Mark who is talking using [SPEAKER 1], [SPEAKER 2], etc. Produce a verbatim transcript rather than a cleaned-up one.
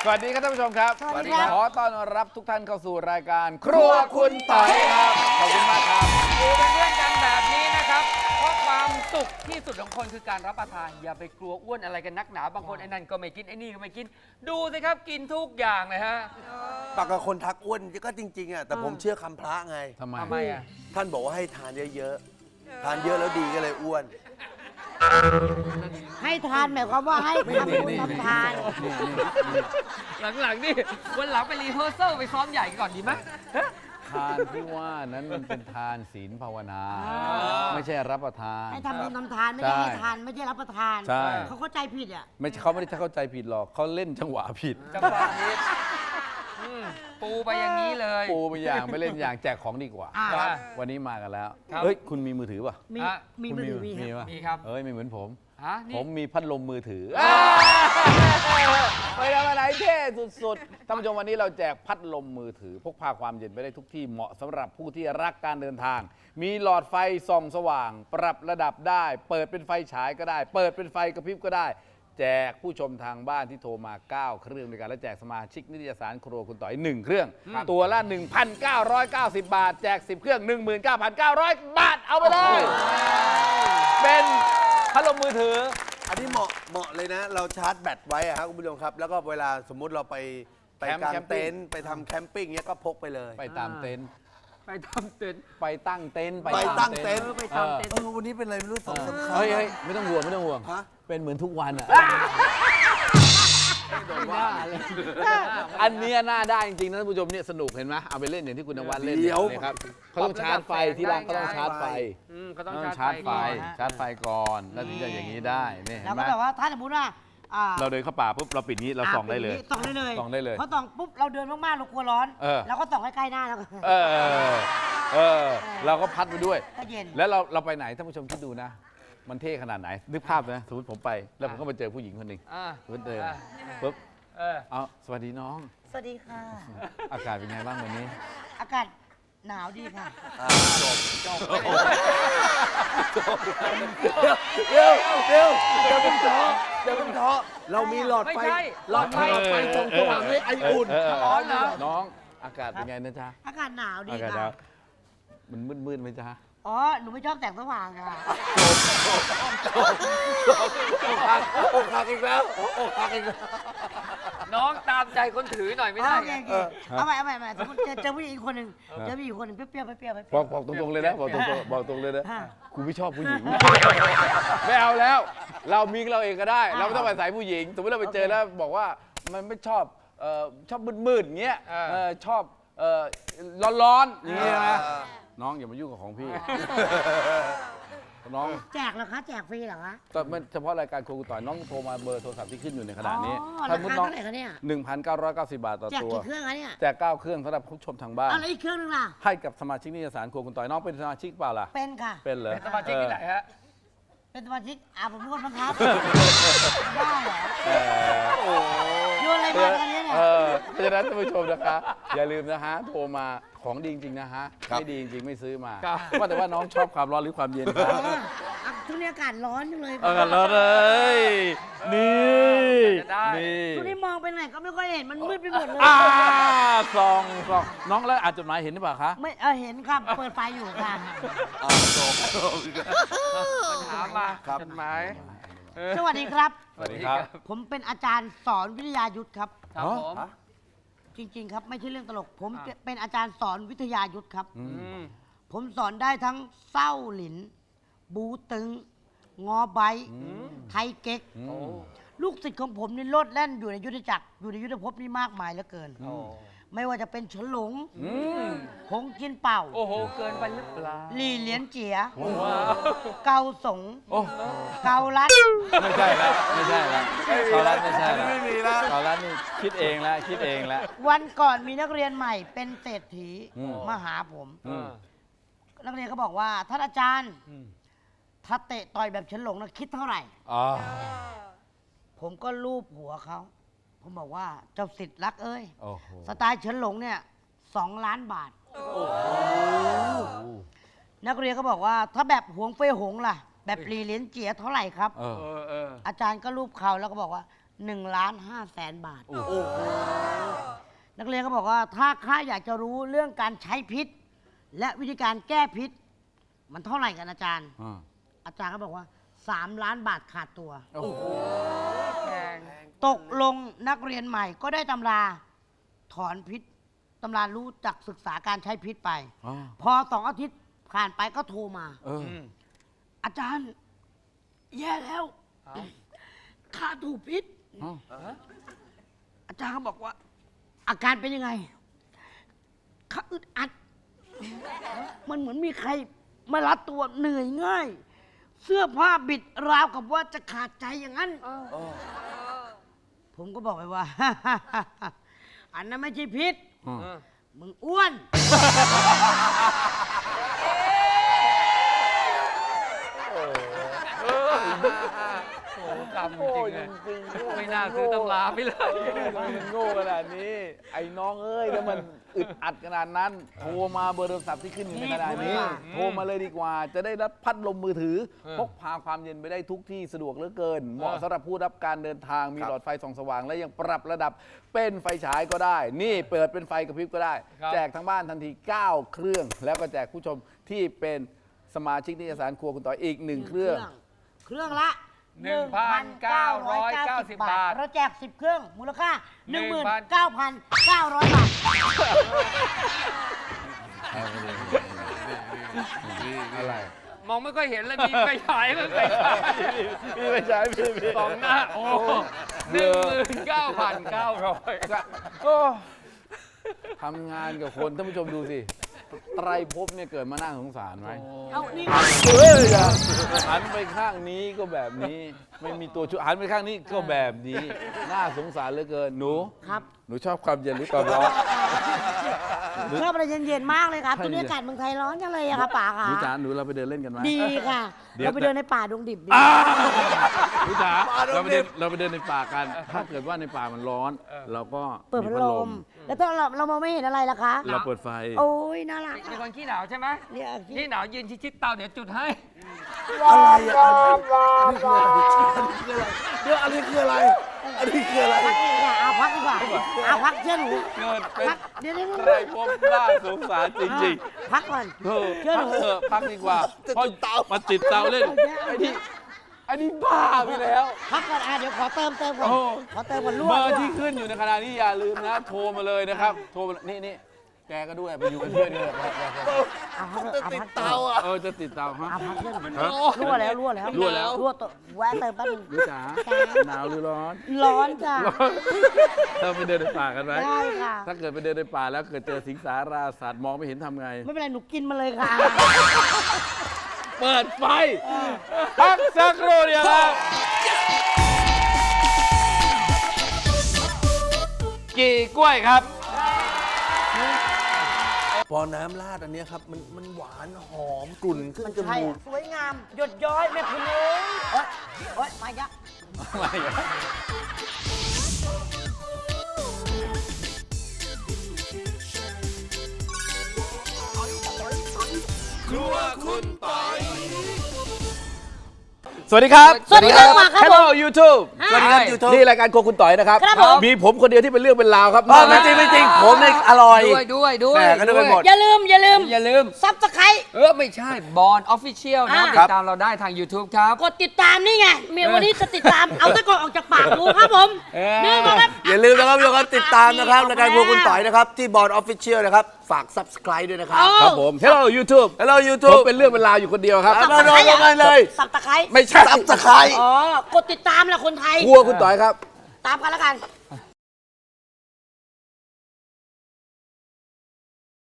[SPEAKER 1] สวัสดีครับท่านผู้ชมครับ
[SPEAKER 2] สวัสดีครับ
[SPEAKER 1] ขอต้อนรับทุกท่านเข้าสู่รายการครัวคุณต่อยครับขอบคุณมากครับ
[SPEAKER 3] อยู่เป็นเพื่อนกันแบบนี้นะครับเพราะความสุขที่สุดของคนคือการรับประทานอย่าไปกลัวอ้วนอะไรกันนักหนาบางคนไอ้นั่นก็ไม่กินไอ้นี่ก็ไม่กินดูสิครับกินทุกอย่างเลยฮะ
[SPEAKER 4] ปากกับคนทักอ้วนก็จริงๆอ่ะแต่ผมเชื่อคำพระไง
[SPEAKER 1] ทำไม
[SPEAKER 3] ทำไมอ่ะ
[SPEAKER 4] ท่านบอกว่าให้ทานเยอะๆทานเยอะแล้วดีก็เลยอ้วน
[SPEAKER 2] ให้ทานหมายความว่าให้ทำบุญทำทาน
[SPEAKER 3] หลังๆนี่วันหลังไปรีเฮอร์เซลไปซ้อมใหญ่ก่อนดีไหมฮะ
[SPEAKER 1] ทานที่ว่านั้นมันเป็นทานศีลภาวนา
[SPEAKER 2] อ่า
[SPEAKER 1] ไม่ใช่รับประทาน
[SPEAKER 2] ให้ทำบุญทำทานไม่ได้
[SPEAKER 1] ใช่
[SPEAKER 2] ให้ทานไม่ใช่รับประทาน
[SPEAKER 1] ใช่
[SPEAKER 2] เขาเข้าใจผิดอ่ะ
[SPEAKER 1] ไม่ใช่เขาไม่ได้เข้าใจผิดหรอกเขาเล่นจังหวะผิด
[SPEAKER 3] จังหวะนี้อืมปูไปอย่างนี้เลย
[SPEAKER 1] ปูไปอย่างไม่เล่นอย่างแจกของดีกว่า
[SPEAKER 2] อ่า
[SPEAKER 3] ครับ
[SPEAKER 1] วันนี้มากันแล้ว
[SPEAKER 3] ครับ
[SPEAKER 1] เฮ้ยคุณมีมือถือป่ะ
[SPEAKER 2] มี
[SPEAKER 3] อ่ะ
[SPEAKER 2] มี
[SPEAKER 1] คุณ
[SPEAKER 2] มือถือมี
[SPEAKER 1] มี
[SPEAKER 2] ครับ
[SPEAKER 1] ป่ะ
[SPEAKER 3] มีครับ
[SPEAKER 1] เอ้ยไม่เหมือนผม
[SPEAKER 3] ฮะนี่
[SPEAKER 1] ผมมีพัดลมมือถือไปทำอะไรเท่สุดๆท่านผู้ชมวันนี้เราแจกพัดลมมือถือ พกพาความเย็นไปได้ทุกที่เหมาะสำหรับผู้ที่รักการเดินทาง มีหลอดไฟส่องสว่าง ปรับระดับได้ เปิดเป็นไฟฉายก็ได้ เปิดเป็นไฟกระพริบก็ได้ แจกผู้ชมทางบ้านที่โทรมา เก้า เครื่องด้วยกันและแจกสมาชิกนิตยสารครัวคุณต่อยหนึ่งเครื่อง ตัวละ หนึ่งพันเก้าร้อยเก้าสิบ บาท แจกสิบเครื่อง หนึ่งหมื่นเก้าพันเก้าร้อย บาทเอาไปเลยเป็นพัดลมมือถือ
[SPEAKER 4] อันนี้เหมาะเหมาะเลยนะ เราชาร์จแบตไว้อะครับคุณผู้ชมครับ แล้วก็เวลาสมมุติเราไปไป
[SPEAKER 1] แคมป์
[SPEAKER 4] กาง
[SPEAKER 1] แคมปิ้ง
[SPEAKER 4] เต็นท์ไปทำแคมปิ้งเนี้ยก็พกไปเลย
[SPEAKER 1] ไปตามเต็นท์
[SPEAKER 3] ไปทำเต็นท์
[SPEAKER 1] ไปตั้งเต็นท์
[SPEAKER 4] ไปตั้งเต็นท์
[SPEAKER 3] เออไปทำเต็นท์
[SPEAKER 4] เออวันนี้เป็นอะไรไม่รู้สองสามครั้ง
[SPEAKER 1] เฮ้ยเฮ้ยไม่ต้องห่วงไม่ต้องห่วง
[SPEAKER 4] ฮะ
[SPEAKER 1] เป็นเหมือนทุกวันอ่ะอันเนี้ยน่าได้จริงๆนะท่านผู้ชมเนี่ยสนุกเห็นไหมเอาไปเล่นอย่างที่คุณนวัดเล่น
[SPEAKER 4] เดี๋ยว
[SPEAKER 1] เนี่ยครับเขาต้องชาร์จไฟที่ร้านเขาต้องชาร์จไฟ
[SPEAKER 3] อืมเขาต้
[SPEAKER 1] ต้
[SPEAKER 3] อ
[SPEAKER 1] อง ง
[SPEAKER 3] ชา
[SPEAKER 1] ชา
[SPEAKER 3] ร์
[SPEAKER 1] ร์
[SPEAKER 3] จ
[SPEAKER 1] จ
[SPEAKER 3] ไฟ
[SPEAKER 1] ไฟ
[SPEAKER 3] ก่อน
[SPEAKER 1] ชาร์จไฟก่อนแล้วถึงจะอย่างนี้ได้เนี่ยเห็
[SPEAKER 2] แล้ว
[SPEAKER 1] นไห
[SPEAKER 2] ก็
[SPEAKER 1] ม
[SPEAKER 2] แบบว่าถ้าสมมติว่าอ่า
[SPEAKER 1] เราเดินเข้าป่าปุ๊บเราปิดนี้เราส่องได้เลย
[SPEAKER 2] ส่องได้เลย
[SPEAKER 1] ส่องได้เลย
[SPEAKER 2] เพราะส่องปุ๊บเราเดินมากๆเรากลัวร้อน
[SPEAKER 1] เออ
[SPEAKER 2] เราก็ส่องใกล้ๆหน้าแล้วก็
[SPEAKER 1] เออเออเราก็พัดไปด้วย
[SPEAKER 2] ก็เย็น
[SPEAKER 1] แล้วเราเราไปไหนท่านผู้ชมคิดดูนะ มันเท่ขนาดไหนนึกภาพนะสมมติผมไปแล้วผมก็ไปเจอผู้หญิงคนหนึ่ง
[SPEAKER 3] อ่า
[SPEAKER 1] สมมติเดิน
[SPEAKER 3] อ่า
[SPEAKER 1] ปุ๊บ
[SPEAKER 3] เออ
[SPEAKER 1] เอาสวัสดีน้อง
[SPEAKER 2] สวัสดีค่ะ
[SPEAKER 1] อากาศเป็นไงบ้างวันนี้
[SPEAKER 2] อากาศหนาวดีค่ะ
[SPEAKER 4] อ่าจบจบเดี๋ยวเดี๋ยวเดี๋ยวเป็นท้อเดี๋ยวเป็นท้อเรามีหลอด
[SPEAKER 3] ไม่
[SPEAKER 4] ไฟ
[SPEAKER 3] ใช่
[SPEAKER 4] หลอดไฟหลอดไฟส่องสว่างให้ไออุ่น
[SPEAKER 1] เเ
[SPEAKER 3] ร้อนเหรอ
[SPEAKER 1] น้องอากาศเป็นไงนะจ๊ะ
[SPEAKER 2] อากาศหนาวดี
[SPEAKER 1] อากาศห
[SPEAKER 2] ค่ะ
[SPEAKER 1] นาวมันมืดๆไหมจ๊ะ
[SPEAKER 2] อ๋อหนูไม่ชอบแสงสว่างค่ะ
[SPEAKER 4] อกหักอกหักอีกแล้วอกหักอีกแล้ว
[SPEAKER 3] น้องตามใจคนถือหน่อยไม่ได้
[SPEAKER 2] โอเค
[SPEAKER 3] ไง
[SPEAKER 2] โอเคเอาใหม่เอาใหม่เอาใหม่สมมติเจอเจอผู้หญิงอีกคนหนึ่งเจอผู้หญิงอีกคนหนึ่งเปรี้ยวๆเปรี้ยวๆเปรี้ยวๆ
[SPEAKER 1] บอกบอกตรงๆเลยนะบอกตรงๆบอกตรงเลยนะ
[SPEAKER 2] อ่า
[SPEAKER 1] กูไม่ชอบผู้หญิง ไม่เอาแล้ว เรามีเราเองก็ได้ เราไม่ต้องไปใส่ผู้หญิงสมมติเราไปเจอแล้วบอกว่ามันไม่ชอบเอ่อชอบมืดๆอย่างเงี้ย
[SPEAKER 3] เออ
[SPEAKER 1] เออชอบเอ่อร้อนๆอย่างเงี้ยนะน้องอย่ามายุ่งกับของพี่ น้อง
[SPEAKER 2] แจกเหรอคะแจกฟรีเหรอคะ
[SPEAKER 1] ตอนมันเฉพาะรายการครูต่อยน้องโทรมาเบอร์โทรศัพท์ที่ขึ้นอยู่ในขณะนี้
[SPEAKER 2] อ๋อ
[SPEAKER 1] ถ้า
[SPEAKER 2] รา
[SPEAKER 1] มุด
[SPEAKER 2] คา
[SPEAKER 1] น้อง
[SPEAKER 2] เท่าไหร่คะเนี่ย
[SPEAKER 1] หนึ่งพันเก้าร้อยเก้าสิบบาทต่อ
[SPEAKER 2] แจก
[SPEAKER 1] ตัว
[SPEAKER 2] กี่เครื่องคะเนี่ย
[SPEAKER 1] แจกเก้าเครื่องสำหรับผู้ชมทางบ้าน
[SPEAKER 2] เอาแล้วอีกเครื่องหนึงล่ะ
[SPEAKER 1] ให้กับสมาชิกนิตยสารครัวคุณต่อยน้องเป็นสมาชิกเปล่าล่ะ
[SPEAKER 2] เป็นค่ะ
[SPEAKER 1] เป็นเหรอ
[SPEAKER 3] เป็นสมาชิกที่ไหนฮะ
[SPEAKER 2] เป็นสมาชิกอ่าผมเป็นคนบังคับบ้าเหรอ
[SPEAKER 1] เออ
[SPEAKER 2] โยนอะไรมากันเนี่ย
[SPEAKER 1] เออเพราะฉะนั้นท่านผู้ชมนะคะ อย่าลืมนะฮะโทรมาของดีจริงๆนะฮะไม่ดีจริงๆไม่ซื้อมา
[SPEAKER 3] ครับ
[SPEAKER 1] ว่าแต่ว่าน้องชอบความร้อนหรือความเย็นครับ
[SPEAKER 2] อ๋ออ่ะช่วงนี้อากาศร้อนจังเลย
[SPEAKER 1] เออร้อนเลยนี่
[SPEAKER 3] จะได้
[SPEAKER 1] นี่
[SPEAKER 2] ช่วงนี้มองไปไหนก็ไม่ค่อยเห็นมันมืดไปหมดเลย
[SPEAKER 1] อ่าซองซองน้องแล้วอ่านจดหมายเห็นหรือเปล่าคะ
[SPEAKER 2] ไม่เออเห็นครับเปิดไฟอยู่ค่ะ
[SPEAKER 4] อ่าจบจบ
[SPEAKER 3] ถามมา
[SPEAKER 4] ครับ
[SPEAKER 3] จดหมายเออ
[SPEAKER 2] สวัสดีครับ
[SPEAKER 1] สวัสดีครับ
[SPEAKER 2] ผมเป็นอาจารย์สอนวิทยายุทธครับ
[SPEAKER 3] ครับผม
[SPEAKER 2] จริง ๆ ครับไม่ใช่เรื่องตลก ผม
[SPEAKER 3] อ่ะ
[SPEAKER 2] เป็นอาจารย์สอนวิทยายุทธครับ
[SPEAKER 1] อื
[SPEAKER 3] อืม
[SPEAKER 2] ผมสอนได้ทั้งเศร้าหลิน บูตึง งอใบ ไทยเก๊ก
[SPEAKER 1] อื
[SPEAKER 3] โอ้
[SPEAKER 1] ม
[SPEAKER 2] ลูกศิษย์ของผมนี่โลดแล่นอยู่ในยุทธจักร อยู่ในยุทธภพนี่มากมายเหลือเกิน
[SPEAKER 3] โอ้
[SPEAKER 2] ไม่ว่าจะเป็นฉลง
[SPEAKER 1] อืม
[SPEAKER 2] หงจินเป่า
[SPEAKER 3] โอ้โห เกินไปหรือเปล่า
[SPEAKER 2] หลี่เหลียนเจีย
[SPEAKER 3] ว้าว
[SPEAKER 2] เกาสง
[SPEAKER 1] โอ้
[SPEAKER 2] เกาลัด
[SPEAKER 1] ไม่ใช่แล้วไม่ใช่แล้วเขารัดไม่ใช่แล้ว
[SPEAKER 4] ไม่มีแล้ว
[SPEAKER 1] เขารัดนี่คิดเองแล้วคิดเองแล้ว
[SPEAKER 2] วันก่อนมีนักเรียนใหม่เป็นเศรษฐี
[SPEAKER 1] อืม
[SPEAKER 2] มาหาผม
[SPEAKER 1] อืม
[SPEAKER 2] นักเรียนก็บอกว่าท่านอาจารย์
[SPEAKER 1] อืม
[SPEAKER 2] ถ้าเตะต่อยแบบฉลงนะคิดเท่าไหร่
[SPEAKER 1] อ๋อ
[SPEAKER 2] ผมก็ลูบหัวเขา ผมบอกว่าเจ้าสิทธิ์รักเอ้ย
[SPEAKER 1] โอ้โห
[SPEAKER 2] สไตล์เฉินหลงเนี่ยสองล้านบาท นักเรียนก็บอกว่า ถ้าแบบหวงเฟยหงล่ะ แบบหลีเหลียนเจียเท่าไหร่ครับ
[SPEAKER 1] เออ
[SPEAKER 3] เออเออ
[SPEAKER 2] อาจารย์ก็รูปเขาแล้วก็บอกว่าหนึ่งล้านห้าแสนบาท นักเรียนก็บอกว่าถ้าข้าอยากจะรู้เรื่องการใช้พิษ และวิธีการแก้พิษ มันเท่าไหร่กันอาจารย์
[SPEAKER 1] อ่า
[SPEAKER 2] อาจารย์ก็บอกว่าสามล้านบาทขาดตัว
[SPEAKER 1] โอ้โห
[SPEAKER 3] แพง
[SPEAKER 2] ตกลงนักเรียนใหม่ก็ได้ตำราถอนพิษตำรารู้จักศึกษาการใช้พิษไป
[SPEAKER 1] อ่า
[SPEAKER 2] พอสองอาทิตย์ผ่านไปก็โทรมา
[SPEAKER 1] เออ
[SPEAKER 2] อาจารย์ แย่แล้วข้าถูกพิษ
[SPEAKER 1] อ๋อ
[SPEAKER 2] อาจารย์เขาบอกว่า อาการเป็นยังไงข้าอึดอัด มันเหมือนมีใครมารัดตัวเหนื่อยง่าย เสื้อผ้าบิดราวกับว่าจะขาดใจอย่างนั้น ผมก็บอกไปว่า อันนั้นไม่ใช่พิษ
[SPEAKER 1] อ่า
[SPEAKER 3] เออ
[SPEAKER 2] มึงอ้วน
[SPEAKER 3] โอ้โหกรรมจริงๆเลยไม่น่าซื้อตำราไปเลย
[SPEAKER 1] มันโง่ขนาดนี้ ไอ้น้องเอ้ยถ้ามันอึดอัดขนาดนั้น โทรมาเบอร์โทรศัพท์ที่ขึ้นอยู่ในกระดาษนี้ โทรมาเลยดีกว่า จะได้รับพัดลมมือถือ พกพาความเย็นไปได้ทุกที่สะดวกเหลือเกิน เหมาะสำหรับผู้รับการเดินทาง มีหลอดไฟส่องสว่าง และยังปรับระดับเป็นไฟฉายก็ได้ นี่เปิดเป็นไฟกระพริบก็ได้
[SPEAKER 3] ครับ
[SPEAKER 1] แจกทั้งบ้านทันที เก้า เครื่อง แล้วก็แจกผู้ชมที่เป็นสมาชิกนิตยสารครัวคุณต่อยอีกหนึ่งเครื่อง
[SPEAKER 2] เครื่องละ
[SPEAKER 3] หนึ่งพันเก้าร้อยเก้าสิบบาท
[SPEAKER 2] เราแจกสิบเครื่อง มูลค่า ห
[SPEAKER 3] หนึ่
[SPEAKER 2] นึ่ง
[SPEAKER 3] ง
[SPEAKER 2] หมื่น
[SPEAKER 3] พัน
[SPEAKER 2] เก้าพันเก้าร้อยบาท
[SPEAKER 1] อะไร
[SPEAKER 3] มองไม่ค่อยเห็นเลยมีไฟฉายมันไฟฉาย
[SPEAKER 1] พี่ไม่ใช่พี่พี่
[SPEAKER 3] สองหน้า โอ้หนึ่งหมื่นเก้าพันเก้าร้อย
[SPEAKER 1] โอ้ทำงานกับคนท่านผู้ชมดูสิ ไตรภพเนี่ยเกิดมาน่าสงสารไหม
[SPEAKER 2] เอานี่
[SPEAKER 1] เฮ้ยอย่าหันไปข้างนี้ก็แบบนี้ ไม่มีตัวช่วยหันไปข้างนี้ก็แบบนี้ น่าสงสารเหลือเกินหนู
[SPEAKER 2] ครับ
[SPEAKER 1] หนูชอบความเย็นหรือความร้อน
[SPEAKER 2] ชอบอะไรเย็นๆมากเลยครับ
[SPEAKER 1] ใช่
[SPEAKER 2] ตัวนี้อากาศเมืองไทยร้อนจังเลยอะครับป๋า
[SPEAKER 1] ห
[SPEAKER 2] ค่ะ
[SPEAKER 1] นูจ๋าหนูเราไปเดินเล่นกันไหม
[SPEAKER 2] ดีค่ะ
[SPEAKER 1] เดี๋ยว
[SPEAKER 2] เราไปเดินในป่าดงดิบดี
[SPEAKER 1] อ้าวหนูจ๋าเราไปเดินเราไปเดินในป่ากัน ถ้าเกิดว่าในป่ามันร้อน เราก็
[SPEAKER 2] เปิดพัดลม แล้วถ้าเราเรามองไม่เห็นอะไรล่ะคะ
[SPEAKER 1] เราเปิดไฟ
[SPEAKER 2] โอ้ยน่ารัก
[SPEAKER 3] เป็นคนขี้หนาวใช่ไหม
[SPEAKER 2] เนี่ย
[SPEAKER 3] ขี้หนาวยืนชิดๆเตาเดี๋ยวจุดให้
[SPEAKER 4] อะไรอ่ะเดี๋ยวอันนี้คืออะไร อันนี้คืออะไร
[SPEAKER 2] พักดีกว่าเอาพักดีกว่าเอาพักเชื่อหนู
[SPEAKER 1] เกิดเป็น
[SPEAKER 2] พักเดี๋ยวเดี๋ยว
[SPEAKER 1] ไตรภพน่าสงสารจริงๆ
[SPEAKER 2] พักก่อน
[SPEAKER 1] เออ
[SPEAKER 2] เชื่อห
[SPEAKER 1] พั
[SPEAKER 2] นู
[SPEAKER 1] กเถอะพักดีกว่า
[SPEAKER 4] จะ
[SPEAKER 1] เพราะ
[SPEAKER 4] ติดเตา
[SPEAKER 1] มาติดเตาเล่นไอ้นี่ไอ้นี่บ้าไปแล้ว
[SPEAKER 2] พักก่อนอ่ะเดี๋ยวขอเติมเติมก่อน
[SPEAKER 1] โอ้
[SPEAKER 2] ขอเติมก่อนรั่ว
[SPEAKER 1] เบอร์
[SPEAKER 2] รั่ว
[SPEAKER 1] ที่ขึ้นอยู่ในขณะนี้อย่าลืมนะ โทรมาเลยนะครับ โทรมานี่นี่แกก็ด้วยไปอยู่กับเพื่อนด้วย
[SPEAKER 2] เอาพักเถ
[SPEAKER 4] จะ
[SPEAKER 2] อะเอา
[SPEAKER 4] ติด
[SPEAKER 2] พัก
[SPEAKER 4] เตาอ่ะ
[SPEAKER 1] เออจะติดเตาฮะ
[SPEAKER 2] เอาพักเชื่อหนู
[SPEAKER 1] ฮะ
[SPEAKER 2] รั่วแล้วรั่วแล้ว
[SPEAKER 1] รั่วแล้ว
[SPEAKER 2] รั่วตัวแวะเติมแป๊บนึง
[SPEAKER 1] ดูจ๋าหนาวหรือร้อน
[SPEAKER 2] ร้อนจ้ะ
[SPEAKER 1] เราไปเดินในป่ากันไหม
[SPEAKER 2] ได้ค่ะ
[SPEAKER 1] ถ้าเกิดไปเดินในป่าแล้วเกิดเจอสิงสาราสัตว์มองไม่เห็นทำไง
[SPEAKER 2] ไม่เป็นไรหนูกินมาเลยค่ะ
[SPEAKER 1] เปิดไฟพักสักครู่เดียวครับกี่กล้วยครับ
[SPEAKER 4] พอน้ำราดอันเนี้ยครับ มันมันหวานหอมกลุ่นขึ้นจ
[SPEAKER 2] ใช่
[SPEAKER 4] มูก
[SPEAKER 2] สวยงาม หยดย้อยแม่คุณเอ้ยโอ๊ยโอ๊ยมาอีกแล้ว
[SPEAKER 1] ไม่ครับ สวัสดีครับ
[SPEAKER 2] สวัสดีครับมาครับ
[SPEAKER 1] Hello YouTube
[SPEAKER 2] สวัสดีครับ
[SPEAKER 4] YouTube
[SPEAKER 1] นี่รายการโครัวคุณต่อยนะครับ
[SPEAKER 2] ครับผม
[SPEAKER 1] มีผมคนเดียวที่เป็นเรื่องเป็นราวครับ
[SPEAKER 4] อ๋อไม่จริงไม่จริง ผมเนี่ยอร่อย
[SPEAKER 3] ด้วยด้วยด้วย
[SPEAKER 4] แหม่ก็นึกไปหมด
[SPEAKER 2] อย่าลืม อย่าลืม
[SPEAKER 3] อย่าลืม
[SPEAKER 2] ซับสไครต์
[SPEAKER 3] เออ ไม่ใช่บอลออฟฟิเชียลนะ
[SPEAKER 2] อ่า
[SPEAKER 3] ติดตามเราได้ทาง YouTube ครับ
[SPEAKER 2] กดติดตามนี่ไง เมียวันนี้จะติดตาม เอาตะกอนออกจากปากดูครับผม
[SPEAKER 3] เออ
[SPEAKER 2] นี่มาครับ
[SPEAKER 4] อย่าลืมนะครับทุกคนติดตามนะครับรายการพวกคุณต่อยนะครับ ที่บอร์ดออฟฟิเชียลนะครับ ฝาก subscribe ด้วยนะครับ
[SPEAKER 2] เอา
[SPEAKER 1] ครับผม Hello YouTube
[SPEAKER 4] Hello
[SPEAKER 1] ผม
[SPEAKER 4] YouTube
[SPEAKER 1] เป็นเรื่องเป็นราวอยู่คนเดียวครับ
[SPEAKER 4] เอาเราลงกันเลย
[SPEAKER 2] สับตะไคร้
[SPEAKER 1] ไม่ใช่
[SPEAKER 4] subscribe
[SPEAKER 2] อ๋อ กดติดตามแหละคนไทย
[SPEAKER 1] ครัวคุณต่อยครับ
[SPEAKER 2] ตามกันแล้วกัน